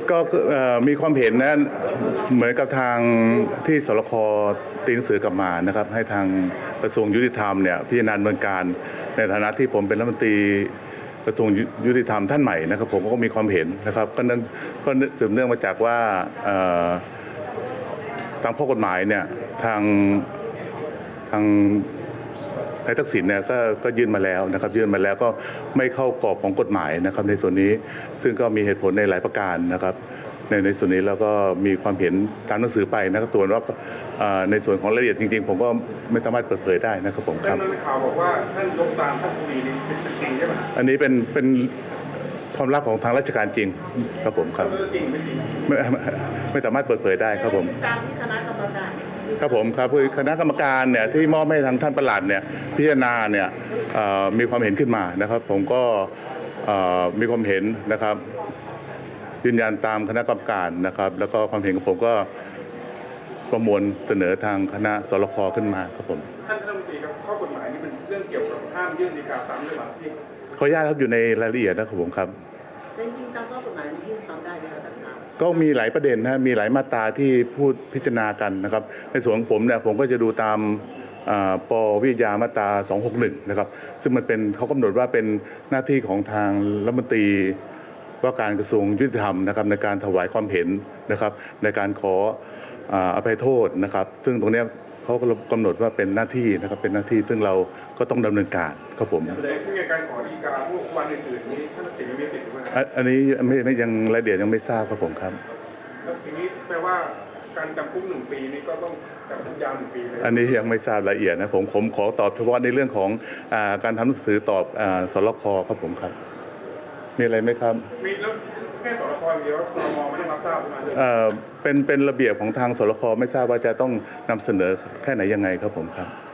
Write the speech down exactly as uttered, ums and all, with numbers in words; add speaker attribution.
Speaker 1: ก็มีความเห็นนะเหมือนกับทางที่สรคตีหนังสือกลับมานะครับให้ทางกระทรวงยุติธรรมเนี่ยพิจารณาดำเนินการในฐานะที่ผมเป็นรัฐมนตรีกระทรวงยุติธรรมท่านใหม่นะครับผมก็มีความเห็นนะครับก็นั่นก็สืบเนื่องมาจากว่าตามข้อกฎหมายเนี่ยทางทางนายทักษิณเนี่ยก็ก็ยื่นมาแล้วนะครับยื่นมาแล้วก็ไม่เข้ากรอบของกฎหมายนะครับในส่วนนี้ซึ่งก็มีเหตุผลในหลายประการนะครับในในส่วนนี้แล้วก็มีความเห็นตามหนังสือไปนะครับตัวว่าในส่วนของรายละเอียดจริงๆผมก็ไม่สามารถเปิดเผยได้นะครับผมครับ
Speaker 2: แต่ข่าวบอกว่าท่านยกตามท่านคุยนี่เป็นจริงใช่ไหม
Speaker 1: อันนี้เป็นเป็นความลับของทางราชการจริงครับผมครับ
Speaker 2: จริงไม่จริง
Speaker 1: ไม่ไม่สามารถเปิดเผยได้ครับผม
Speaker 3: ตามที่คณะกรรมการ
Speaker 1: ครับผมครับคือคณะกรรมการเนี่ยที่มอบให้ทางท่านปลัดเนี่ยพิจารณาเนี่ยมีความเห็นขึ้นมานะครับผมก็มีความเห็นนะครับยืนยันตามคณะกรรมการนะครับแล้วก็ความเห็นของผมก็ประมวลเสนอทางคณะสรคขึ้นมาครับผม
Speaker 2: ท่านรัฐมนตรีครับข้อกฎหมายนี้เป็นเรื่องเกี่ยวกับห้ามยื่นฎีกาซ้ำหรือเปล่าที่
Speaker 1: ขออนุญาตครับอยู่ในรายละเอียดนะครับผมครับ
Speaker 3: จริงๆตามข้อกฎหมายมันยื่นซ้ำได้ไหมครับท่านครับ
Speaker 1: ก็มีหลายประเด็นนะมีหลายมาตราที่พูดพิจารณากันนะครับในส่วนของผมเนี่ยผมก็จะดูตามปวิทยามาตราสองหกหนึ่งนะครับซึ่งมันเป็นเขากำหนดว่าเป็นหน้าที่ของทางรัฐมนตรีว่าการกระทรวงยุติธรรมนะครับในการถวายความเห็นนะครับในการขออภัยโทษนะครับซึ่งตรงนี้เขากำหนดว่าเป็นหน้าที่นะครับเป็นหน้าที่ซึ่งเราก็ต้องดำเนินการครับผม
Speaker 2: ในการขอฎีกาพวกวันอื่นๆนี้ท่านติดไม่ติดหรือไม่
Speaker 1: อันนี้ไม่ไม่ยังรายละเอียดยังไม่ทราบครับผมครับ
Speaker 2: แล้วทีนี้แปลว่าการจำคุกหนึ่งปีนี้ก็ต้องจำคุกยาวหนึ่งปีเลย
Speaker 1: อันนี้ยังไม่ทราบรายละเอียดนะผมผมขอตอบเฉพาะในเรื่องของการทำหนังสือตอบสรคครับผมครับมีอะไรไหมครับ
Speaker 2: มีแล้วแค่สรคอย่างเดียวครม.ไม่ได้รับทราบมาเลย
Speaker 1: เอ่อเป็นเป็นระเบียบของทางสรคไม่ทราบว่าจะต้องนำเสนอแค่ไหนยังไงครับผมครับ